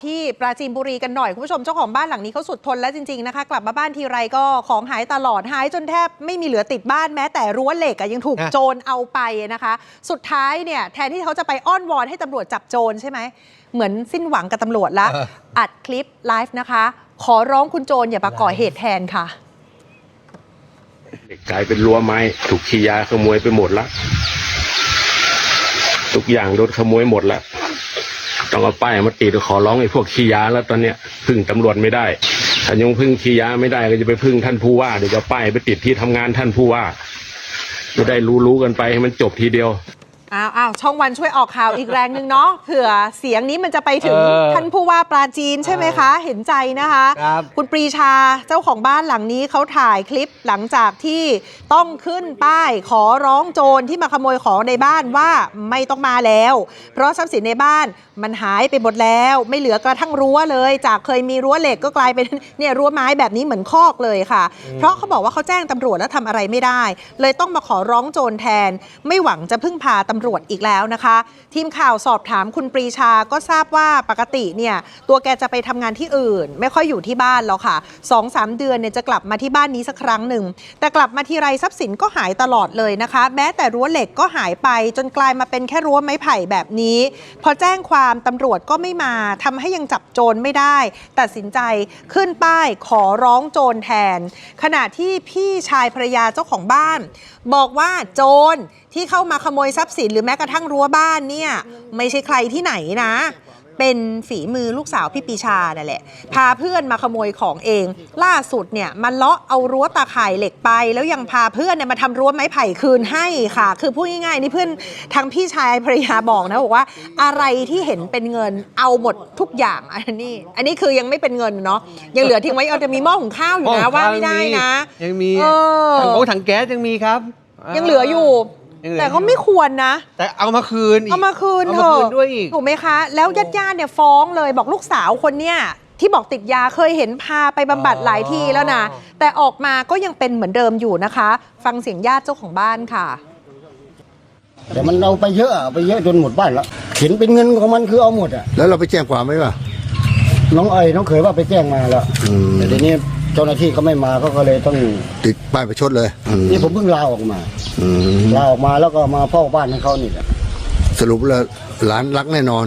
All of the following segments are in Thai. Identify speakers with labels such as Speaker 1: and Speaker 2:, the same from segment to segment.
Speaker 1: ที่ปราจีนบุรีกันหน่อยคุณผู้ชมเจ้าของบ้านหลังนี้เขาสุดทนแล้วจริงๆนะคะกลับมาบ้านทีไรก็ของหายตลอดหายจนแทบไม่มีเหลือติดบ้านแม้แต่รั้วเหล็กยังถูกโจรเอาไปนะคะสุดท้ายเนี่ยแทนที่เขาจะไปอ้อนวอนให้ตำรวจจับโจรใช่ไหมเหมือนสิ้นหวังกับตำรวจละอัดคลิปไลฟ์นะคะขอร้องคุณโจรอย่ามาก่อเหตุแทนค่ะ
Speaker 2: กลายเป็นรั้วไม้ถูกขี้ยาขโมยไปหมดละทุกอย่างโดนขโมยหมดละต้องเอาป้ายมาติดขอร้องไอ้พวกขี้ยาแล้วตอนเนี้ยพึ่งตำรวจไม่ได้ถ้ายังพึ่งขี้ยาไม่ได้ก็จะไปพึ่งท่านผู้ว่าเดี๋ยวจะป้ายไปติดที่ทำงานท่านผู้ว่าจะได้รู้กันไปให้มันจบทีเดียว
Speaker 1: อ้าวช่องวันช่วยออกข่าวอีกแรงหนึ่งเนาะเผื่อเสียงนี้มันจะไปถึงท่านผู้ว่าปราจีนใช่ไหมคะเห็นใจนะคะคุณปรีชาเจ้าของบ้านหลังนี้เขาถ่ายคลิปหลังจากที่ต้องขึ้นป้ายขอร้องโจรที่มาขโมยของในบ้านว่าไม่ต้องมาแล้วเพราะทรัพย์สินในบ้านมันหายไปหมดแล้วไม่เหลือกระทั่งรั้วเลยจากเคยมีรั้วเหล็กก็กลายเป็นเนี่ยรั้วไม้แบบนี้เหมือนคอกเลยค่ะเพราะเขาบอกว่าเขาแจ้งตำรวจแล้วทำอะไรไม่ได้เลยต้องมาขอร้องโจรแทนไม่หวังจะพึ่งพาตำรวจอีกแล้วนะคะทีมข่าวสอบถามคุณปรีชาก็ทราบว่าปกติเนี่ยตัวแกจะไปทำงานที่อื่นไม่ค่อยอยู่ที่บ้านหรอกค่ะ 2-3 เดือนเนี่ยจะกลับมาที่บ้านนี้สักครั้งหนึ่งแต่กลับมาทีไรทรัพย์สินก็หายตลอดเลยนะคะแม้แต่รั้วเหล็กก็หายไปจนกลายมาเป็นแค่รั้วไม้ไผ่แบบนี้พอแจ้งความตำรวจก็ไม่มาทำให้ยังจับโจรไม่ได้ตัดสินใจขึ้นป้ายขอร้องโจรแทนขณะที่พี่ชายภรรยาเจ้าของบ้านบอกว่าโจรที่เข้ามาขโมยทรัพย์สินหรือแม้กระทั่งรั้วบ้านเนี่ยไม่ใช่ใครที่ไหนนะเป็นฝีมือลูกสาวพี่ปีชานั่นแหละพาเพื่อนมาขโมยของเองล่าสุดเนี่ยมันเลาะเอารั้วตาข่ายเหล็กไปแล้วยังพาเพื่อนเนี่ยมาทำรั้วไม้ไผ่คืนให้ค่ะคือพูดง่ายๆนี่เพื่อนทางพี่ชายภรรยาบอกนะบอกว่าอะไรที่เห็นเป็นเงินเอาหมดทุกอย่างอันนี้คือยังไม่เป็นเงินเนาะยังเหลือทิ้งไว้เอาจะมีหม้อหุงข้าวอยู่นะว่าไม่ได้นะ
Speaker 3: ยังมีถังแก๊สยังมีครับ
Speaker 1: ยังเหลืออยู่แต่ก็ไม่ควรนะ
Speaker 3: แต่เอามาคืน
Speaker 1: เอามาคืนเถอะ
Speaker 3: ด้วยอีก
Speaker 1: ถูกไหมคะแล้วญาติเนี่ยฟ้องเลยบอกลูกสาวคนเนี้ยที่บอกติดยาเคยเห็นพาไปบำบัดหลายทีแล้วนะแต่ออกมาก็ยังเป็นเหมือนเดิมอยู่นะคะฟังเสียงญาติเจ้าของบ้านค่ะ
Speaker 4: แต่มันเอาไปเยอะจนหมดบ้านแล้วเห็นเป็นเงินของมันคือเอาหมดอ่ะ
Speaker 5: แล้วเราไปแจ้งความไหมวะ
Speaker 4: น้องเขยว่าไปแจ้งมาแล้วแต่ทีนี้เจ้าหน้าที่เขาไม่มาเขาก็เลยต้อง
Speaker 5: ติดป้ายประชดเลย
Speaker 4: นี่ผมเพิ่งลาออกมาแล้วก็มาเฝ้าบ้านให้เขานี่แหละ
Speaker 5: สรุปแล้วหลานรักแน่นอน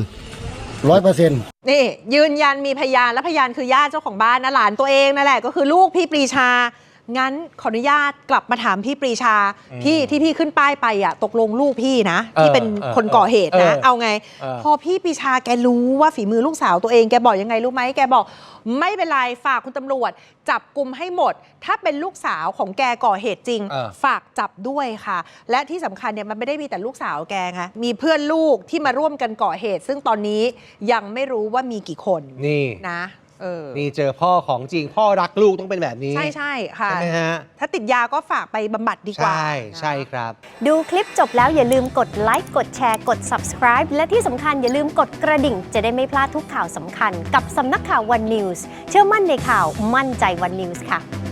Speaker 4: 100%
Speaker 1: นี่ยืนยันมีพยานและพยานคือญาติเจ้าของบ้านนะหลานตัวเองนั่นแหละก็คือลูกพี่ปรีชางั้นขออนุญาตกลับมาถามพี่ปรีชาพี่ขึ้นป้ายไปอ่ะตกลงลูกพี่นะที่เป็นคนก่อเหตุนะเอาไงพอพี่ปรีชาแกรู้ว่าฝีมือลูกสาวตัวเองแกบอกยังไงรู้ไหมแกบอกไม่เป็นไรฝากคุณตำรวจจับกุมให้หมดถ้าเป็นลูกสาวของแกก่อเหตุจริงฝากจับด้วยค่ะและที่สำคัญเนี่ยมันไม่ได้มีแต่ลูกสาวแกค่ะมีเพื่อนลูกที่มาร่วมกันก่อเหตุซึ่งตอนนี้ยังไม่รู้ว่ามีกี่คน
Speaker 3: นี่
Speaker 1: นะ
Speaker 3: นี่เจอพ่อของจริงพ่อรักลูกต้องเป็นแบบนี้
Speaker 1: ใช่ค่ะ
Speaker 3: ใช่ไหมฮะ
Speaker 1: ถ้าติดยาก็ฝากไปบำบัดดีกว่า
Speaker 3: ใช่ครับ
Speaker 6: ดูคลิปจบแล้วอย่าลืมกดไลค์กดแชร์กด Subscribe และที่สำคัญอย่าลืมกดกระดิ่งจะได้ไม่พลาดทุกข่าวสำคัญกับสำนักข่าว One News เชื่อมั่นในข่าวมั่นใจ One News ค่ะ